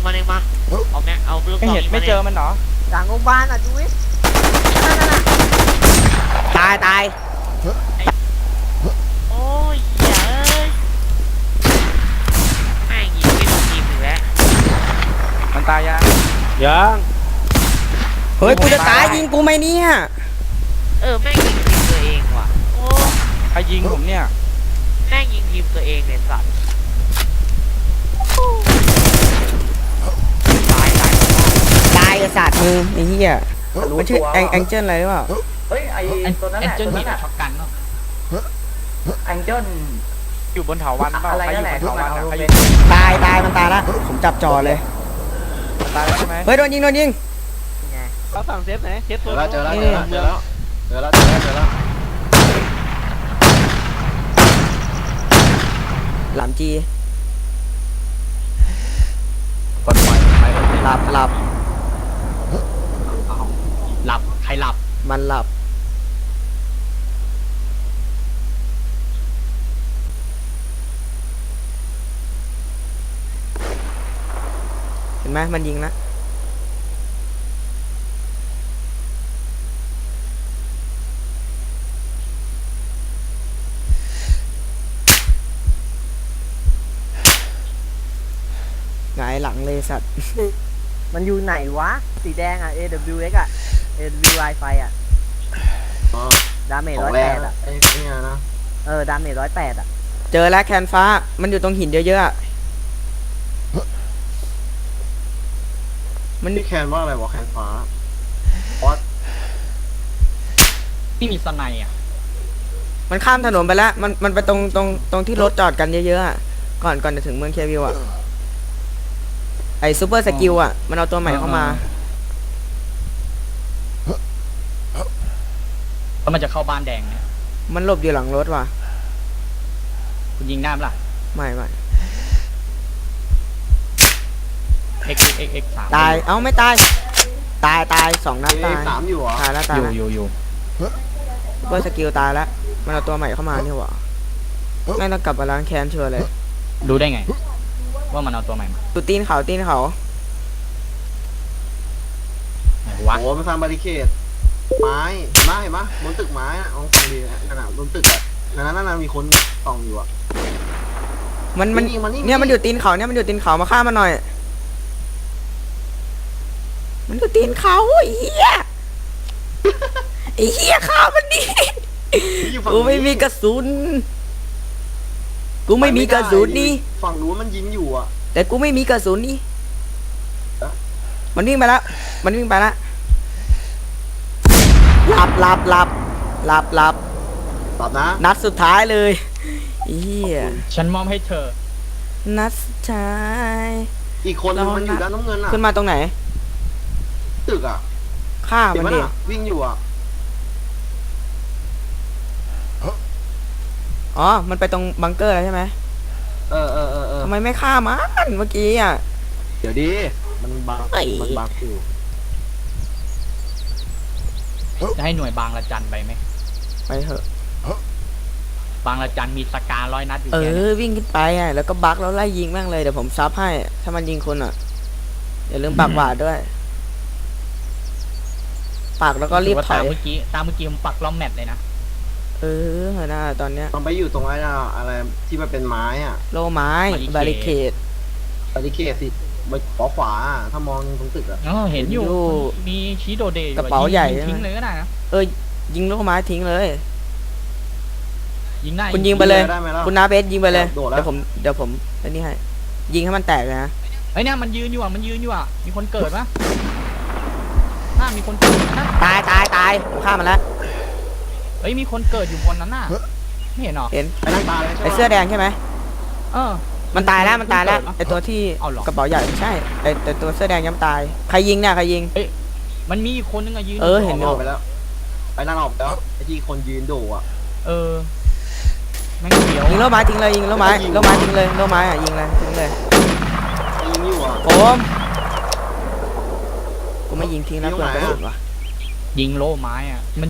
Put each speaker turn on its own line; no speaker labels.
มันเองมาเอาแม็กเอาลูก
ไม่
ซอง
เห็น
ยิง
ไม่
มัน
เจ
เอง
อมันเหรอ
หลังโรงพยาบาลอ่ะดูดินั่นน่ะ
ตายตาย
โอ้ยอย่าเอ้ยแม่งยิงไม่โดนทีมอีกแล้ว
มันตายยัง
ยัง
เฮ้ยกูจะตายยิงกูไหมเนี่ย
แม่งยิงทีมตัวเองว่ะโอ้
ใครยิงผมเนี่ย
แม่งยิงทีมตัวเองเนี่ยสัตว์ตาย
ตายกับสัตว์มึงไอ้เหี้ยมันชื่อแองเจิลอะไรหรือเปล่า
เฮ้ยไอตัวนั้นแหละ
จน
ตัว
มี
นั้น
ช็
อะ
อกกันเนาะ
แองเจิล
อยู่บนเถาวันเปล่า
อะไร
ใครอ
นั่น
ยู่
แหละ
บนเถาวันอะใครอยู่
ตายมันตายละผมจับจอเลย
ตายแล้วใช่ไหม
เฮ้ยโดนยิง
เราสั่งเซฟไหนเซฟตัว
เจอแล้ว
หลามจี
กดไฟ
หลับ
หลับใครหลับ
มันหลับเห็นไหมมันยิงนะหงายหลังเลยสัตว์
มันอยู่ไหนวะสีแดงอ่ะ AWX อ่ะ AWI ไฟอ่ะดาเมจ
ของแรง
108อ่ะ
ไอ้เนี่ยนะ
ดาเมจ108อ่ะ
เจอแล้วแคนฟ้ามันอยู่ตรงหินเยอะๆอะมัน
พี่แคนว่าอะไรวะแคนฟ้า
ที่มีสไนอ่ะ
มันข้ามถนนไปแล้วมันไปตรงที่รถจอดกันเยอะๆอะก่อนจะถึงเมืองเควิลอะไอซูเปอร์สกิลอะมันเอาตัวใหม่เข้ามา
แล้วมันจะเข้าบ้านแดงเนี่ย
มันหลบอยู่หลังรถว่ะ
คุณยิงได้ไหมล่ะ
ไม่
x 3
ตายเอ้าไม่ตายตายสองนัดตาย
สามอยู่เหรอ
ตายแล้วตายแล้ว
อยู่
ซูเปอร์สกิลตายแล้วมันเอาตัวใหม่เข้ามานี่หว่าไม่ต้องกลับมาล้างแค้นเชื่อเลย
รู้ได้ไง ว่ามันเอาตัวใหม่มา
ตูตีนเขา
ไหนวะ
โอ้มันสร้างบาริเคดไม้เห็นปะบนตึกไม้อะลองฟังดีขนาดบนตึกอะนั่นมีคนส่องอยู่อะ
มัน
นี่
เนี่ยมันอยู่ตีนเขาเนี่ยมันอยู่ตีนเขามาฆ่ามันหน่อย มันอยู่ตีนเขาไอ้เหี้ยไอ้เหี้ยฆ่ามันดิ
อยู่ฝั่ง
กูไม่มีกระสุนนี่
ฝั่งนู้นมันยิงอยู่อะ
แต่กูไม่มีกระสุนนี่มันวิ่งไปแล้วหลับ
ตอบนะ
นัดสุดท้ายเลยไอ้เหี้ย
ฉันมอบให้เธอ
นัดสุดท้าย
อีกคนนึงมันอยู่ด้านน้ำเงินอะ
ขึ้นมาตรงไหน
ตึกอะ
ฆ่า
เห็น
มัน
ปะ
ดิ
น่ะวิ่งอยู่อะ
อ๋อมันไปตรงบังเกอร์แล้วใช่ไหม
เออ
ทำไมไม่ฆ่ามันเมื่อกี้อ่ะ
เดี๋ยวดิมันบัก
เอ้ย
อยู่
จะให้หน่วยบางละจันไปไหม
ไปเถอะ
บางละจันมีสกา100 นัดอยู่
เอ
แค่นี้
อวิ่งขึ้นไปอ่ะแล้วก็บักแล้วไล่ยิงแม่งเลยเดี๋ยวผมซับให้ถ้ามันยิงคนอ่ะอย่าลืมปากหวาดด้วยปากแล้วก็รีบถ
ตา
อ
ม
ย
เมื่อกี้ผมปักล้อมแมตเลยนะ
เออน่าตอนเนี้ย
มันไปอยู่ตรงไอ้น่ะอะไรที่มันเป็นไม้อะ
โลไม้บาริเคด
บาริเคดสิไปขวาอะถ้ามองตรงตึกอะ
อ๋อเห็นอยู่
เห็นอยู่
มีชีโดเดย์อยู่
กระเป๋าใหญ่
ยิงทิ้งเลยก็ได้นะ
ยิงโลไม้ทิ้งเลย
ยิงได้
คุณยิงไปเลย
ได้ไหมล่ะ
คุณนาเบสยิงไปเลย
โดดแล้ว
เดี๋ยวผมอันนี้ให้ยิงให้มันแตกเลยนะ
เฮ้ยเนี่ยมันยืนอยู่อ่ะมีคนเกิดปะน่ามีคนเกิดนะ
ตายผมฆ่ามันแล้ว
เฮ้ยมีคนเกิดอยู่บนนั้นน่ะไม่เห็นหรอ
เห็น
ไปนั่งตาเลยใช่
ไอ
ปะ
เสื้อแดงใช่ไหม
เออ
มันตายแล้วไอตัวที่
เอาเหรอ
กระเป๋าใหญ่ไม่ใช่ไอแต่ตัวเสื้อแดงยังไม่ตายใครยิงเนี่ยใครยิง
มันมีอีกคนนึงอะยืน
เออเห็น
ออกไปแล้วไปนั่งออกไปแล้วไอ้ที่คนยืนโดอะ
เออแม่งเขียว
ยิงโลไม้ทิ้งเลยยิงโลไม้ทิ้งเลยโลไม้อ่ะยิงเลยทิ้งเลย
ยิงอยู่อะ
ผมกูไม่ยิงทิ้งนะเปลืองกระสุนว่ะ
ยิงโล่ไม้อ่ะมัน